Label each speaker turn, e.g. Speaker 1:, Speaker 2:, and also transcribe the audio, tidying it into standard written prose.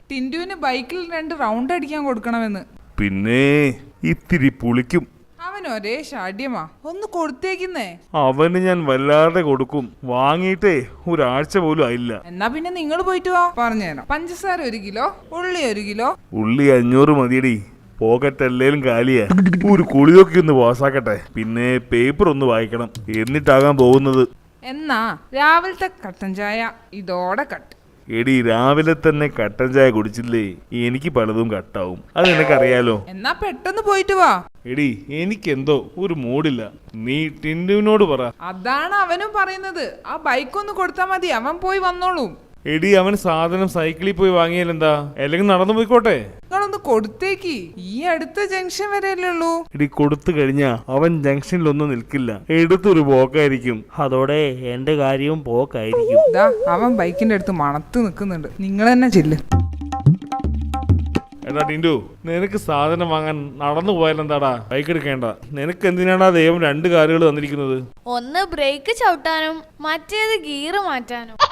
Speaker 1: ടിൻഡുവിന് ബൈക്കിൽ 2 റൗണ്ട് അടിക്കാൻ കൊടുക്കണമെന്ന്.
Speaker 2: പിന്നെ ഇത്തിരി പുളിക്കും.
Speaker 1: അവൻ ഒരേ ഷാഢ്യമാ, ഒന്ന് കൊടുത്തേക്കുന്നേ.
Speaker 2: അവന് ഞാൻ വല്ലാതെ കൊടുക്കും. വാങ്ങിയിട്ടേ ഒരാഴ്ച പോലും ആയില്ല.
Speaker 1: എന്നാ പിന്നെ നിങ്ങൾ പോയിട്ട് വാ, പറഞ്ഞുതരാം. പഞ്ചസാര 1 കിലോ, ഉള്ളി 1 കിലോ.
Speaker 2: ഉള്ളി 500 മതിയടി. പോക്കറ്റ് എല്ലേലും കാലിയാ. ഒരു കുളിയൊക്കെ ഒന്ന് പാസ്സാക്കട്ടെ. പിന്നെ പേപ്പർ ഒന്ന് വായിക്കണം, എന്നിട്ടാകാൻ പോകുന്നത്.
Speaker 1: എന്നാ രാവിലത്തെ കട്ടൻ ചായ ഇതോടെ കട്ട്.
Speaker 2: എടി രാവിലെ തന്നെ കട്ടൻ ചായ കുടിച്ചില്ലേ എനിക്ക് പലതും കട്ടാവും, അത് നിനക്കറിയാലോ.
Speaker 1: എന്നാ പെട്ടെന്ന് പോയിട്ട് വാ.
Speaker 2: എടി എനിക്കെന്തോ ഒരു മൂഡില്ല. നീ ടിൻഡുവിനോട് പറ.
Speaker 1: അതാണ് അവനും പറയുന്നത്. ആ ബൈക്ക് ഒന്ന് കൊടുത്താ മതി, അവൻ പോയി വന്നോളൂ.
Speaker 2: എടി അവൻ സാധനം സൈക്കിളിൽ പോയി വാങ്ങിയാലെന്താ, അല്ലെങ്കിൽ നടന്നു പോയിക്കോട്ടെ.
Speaker 1: നിങ്ങളൊന്ന് കൊടുത്തേക്ക്, ഈ അടുത്ത ജംഗ്ഷൻ വരെയല്ലേ ഉള്ളൂ.
Speaker 2: എടി കൊടുത്തു കഴിഞ്ഞാ അവൻ ജംഗ്ഷനിലൊന്നും നിൽക്കില്ല, എടുത്തൊരു പോക്കായിരിക്കും.
Speaker 3: അതോടെ എന്റെ കാര്യവും പോക്കായിരിക്കും.
Speaker 1: ഇതാ അവൻ ബൈക്കിന്റെ അടുത്ത് മണത്ത് നിൽക്കുന്നുണ്ട്. നിങ്ങൾ തന്നെ ചെല്ല്.
Speaker 2: എടാ ടിൻഡു, നിനക്ക് സാധനം വാങ്ങാൻ നടന്നു പോയാലെന്താടാ, ബൈക്ക് എടുക്കേണ്ട. നിനക്ക് എന്തിനാടാ ദൈവം 2 കാലുകൾ തന്നിരിക്കുന്നത്?
Speaker 4: ഒന്ന് ബ്രേക്ക് ചവിട്ടാനും മറ്റേത് ഗിയർ മാറ്റാനും.